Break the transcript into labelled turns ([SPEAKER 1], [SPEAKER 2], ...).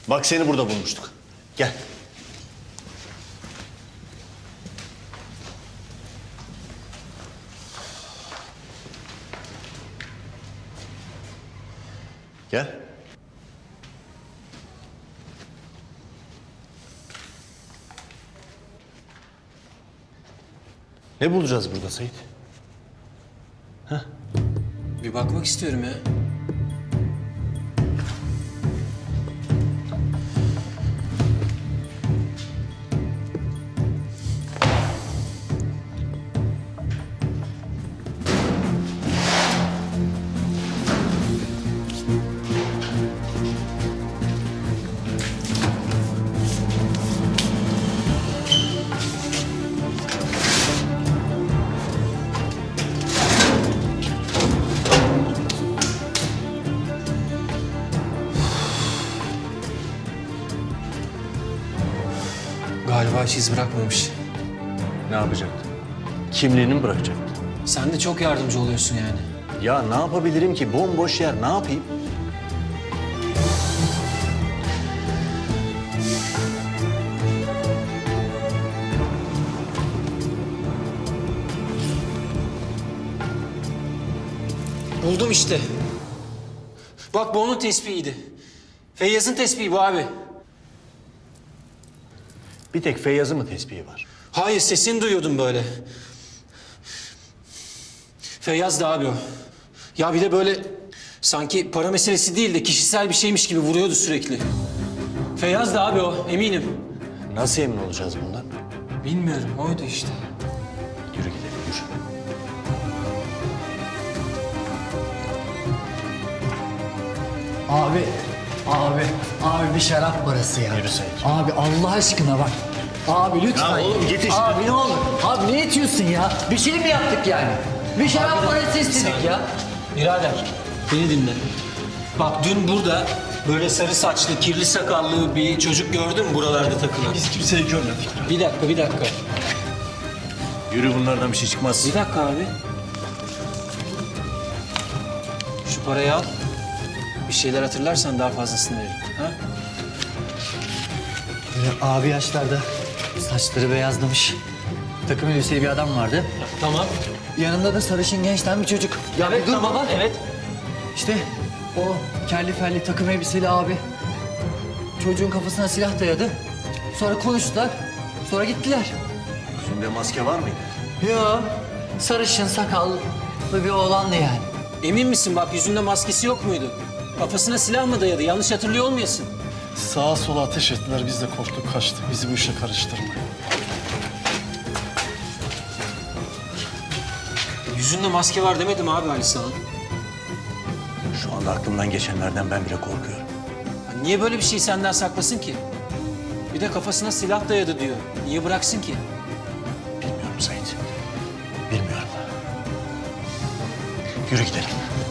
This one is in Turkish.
[SPEAKER 1] Bak seni burada bulmuştuk. Gel. Gel. Ne bulacağız burada Sait?
[SPEAKER 2] Bir bakmak istiyorum ya. Galiba hiç iz bırakmamış.
[SPEAKER 1] Ne yapacaktı? Kimliğini mi bırakacaktı?
[SPEAKER 2] Sen de çok yardımcı oluyorsun yani.
[SPEAKER 1] Ya ne yapabilirim ki? Bomboş yer. Ne yapayım?
[SPEAKER 2] Buldum işte. Bak bu onun tespihiydi. Feyyaz'ın tespihi bu abi.
[SPEAKER 1] Bir tek Feyyaz'ın mı tespihi var?
[SPEAKER 2] Hayır, sesini duyuyordum böyle. Feyyaz da abi o. Ya bir de böyle sanki para meselesi değil de kişisel bir şeymiş gibi vuruyordu sürekli. Feyyaz da abi o, eminim.
[SPEAKER 1] Nasıl emin olacağız bundan?
[SPEAKER 2] Bilmiyorum, oydu işte.
[SPEAKER 1] Yürü gidelim, yürü.
[SPEAKER 3] Abi bir şarap parası ya.
[SPEAKER 1] Yürü Sait.
[SPEAKER 3] Abi Allah aşkına bak. Abi lütfen.
[SPEAKER 1] Ya oğlum git işte.
[SPEAKER 3] Abi ne olur. Abi ne itiyorsun ya? Bir şey mi yaptık yani? Bir şarap parası istedik ya.
[SPEAKER 2] Birader, beni dinle. Bak dün burada böyle sarı saçlı, kirli sakallı bir çocuk gördün mü buralarda takılan?
[SPEAKER 1] Biz kimseyi görmedik.
[SPEAKER 2] Bir dakika.
[SPEAKER 1] Yürü, bunlardan bir şey çıkmaz.
[SPEAKER 2] Bir dakika abi. Şu parayı al. Bir şeyler hatırlarsan daha fazlasını veririm. Ha?
[SPEAKER 3] Böyle abi yaşlarda saçları beyazlamış. Takım elbiseli bir adam vardı.
[SPEAKER 2] Tamam.
[SPEAKER 3] Yanında da sarışın gençten bir çocuk. Ya bir dur baba.
[SPEAKER 2] Evet.
[SPEAKER 3] İşte o kelli felli takım elbiseli abi. Çocuğun kafasına silah dayadı. Sonra konuştular. Sonra gittiler.
[SPEAKER 1] Yüzünde maske var mıydı?
[SPEAKER 3] Yo, sarışın sakallı bir oğlandı yani.
[SPEAKER 2] Emin misin bak yüzünde maskesi yok muydu? Kafasına silah mı dayadı? Yanlış hatırlıyor olmayasın.
[SPEAKER 4] Sağa sola ateş ettiler, biz de korktuk, kaçtık. Bizi bu işe karıştırmayın.
[SPEAKER 2] Yüzünde maske var demedim abi Ali sana.
[SPEAKER 1] Şu anda aklımdan geçenlerden ben bile korkuyorum.
[SPEAKER 2] Ya niye böyle bir şey senden saklasın ki? Bir de kafasına silah dayadı diyor. Niye bıraksın ki?
[SPEAKER 1] Bilmiyorum Sait. Bilmiyorum. Yürü gidelim.